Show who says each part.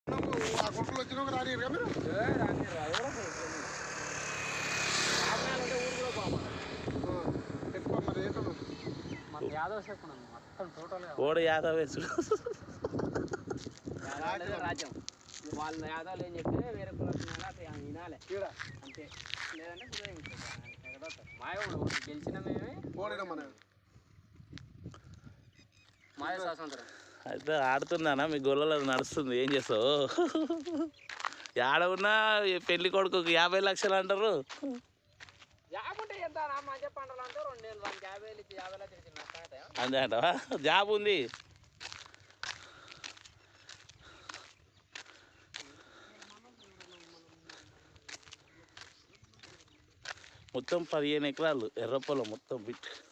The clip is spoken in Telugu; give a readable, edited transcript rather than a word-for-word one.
Speaker 1: ఆ గుంటలు వచ్చినాక రానియరు కదా మీరు మరి ఏంటో
Speaker 2: మన యాదవ్ చెప్పండి మొత్తం టోటల్గా
Speaker 3: ఓడ యాదవ్ వేసుడు
Speaker 2: రాజ్యం వాళ్ళ యాదవ్లు ఏం చెప్తే వేరే కులాలు అట్లా వినాలి అంతే లేదంటే మాయవాడు గెలిచిన మేమే
Speaker 1: ఓడినా మన
Speaker 2: మాయ స్వాతంత్రం
Speaker 3: అయితే ఆడుతున్నానా మీ గొల్లలో నడుస్తుంది ఏం చేస్తావు ఆడ ఉన్నా పెళ్లి కొడుకు 50 లక్షలు అంటారు
Speaker 2: జాబ్ ఉంటే ఎంత మంచి పంటలు అంటే 2 50 లక్షలు
Speaker 3: అంతే అంటావా జాబ్ ఉంది మొత్తం 15 ఎకరాలు ఎర్రపొలం మొత్తం బిట్